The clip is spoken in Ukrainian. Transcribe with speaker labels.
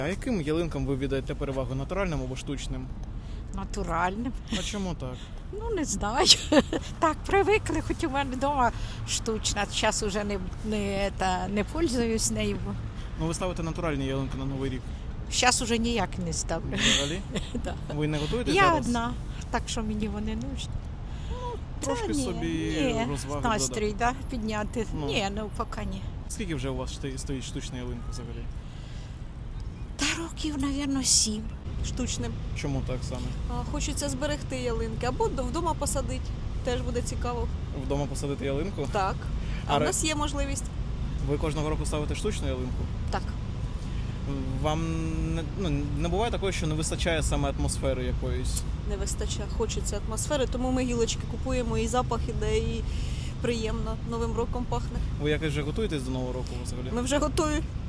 Speaker 1: А яким ялинкам ви віддаєте перевагу? Натуральним або штучним?
Speaker 2: Натуральним.
Speaker 1: А чому так?
Speaker 2: Ну, не знаю. Так, привикли, хоч у мене вдома штучна. Зараз вже не пользуюсь нею.
Speaker 1: Ну ви ставите натуральні ялинки на Новий рік.
Speaker 2: Зараз уже ніяк не ставлю.
Speaker 1: Взагалі?
Speaker 2: Да.
Speaker 1: Ви не готуєте
Speaker 2: Я
Speaker 1: зараз?
Speaker 2: одна, так що мені вони нужні.
Speaker 1: Трошки
Speaker 2: Та ні,
Speaker 1: собі
Speaker 2: ні,
Speaker 1: розваги
Speaker 2: настрій, да, підняти.
Speaker 1: Ну.
Speaker 2: Ні, ну поки ні.
Speaker 1: Скільки вже у вас стоїть штучна ялинка взагалі?
Speaker 2: Та років, мабуть, 7.
Speaker 3: Штучним.
Speaker 1: Чому так саме?
Speaker 3: Хочеться зберегти ялинки або вдома посадити. Теж буде цікаво.
Speaker 1: Вдома посадити ялинку?
Speaker 3: Так. А
Speaker 1: А
Speaker 3: в нас є можливість.
Speaker 1: Ви кожного року ставите штучну ялинку?
Speaker 3: Так.
Speaker 1: Вам не буває такого, що не вистачає саме атмосфери якоїсь?
Speaker 3: Не вистачає. Хочеться атмосфери, тому ми гілочки купуємо, і запах іде, і приємно. Новим роком пахне.
Speaker 1: Ви якось вже готуєтесь до Нового року взагалі?
Speaker 3: Ми вже готові.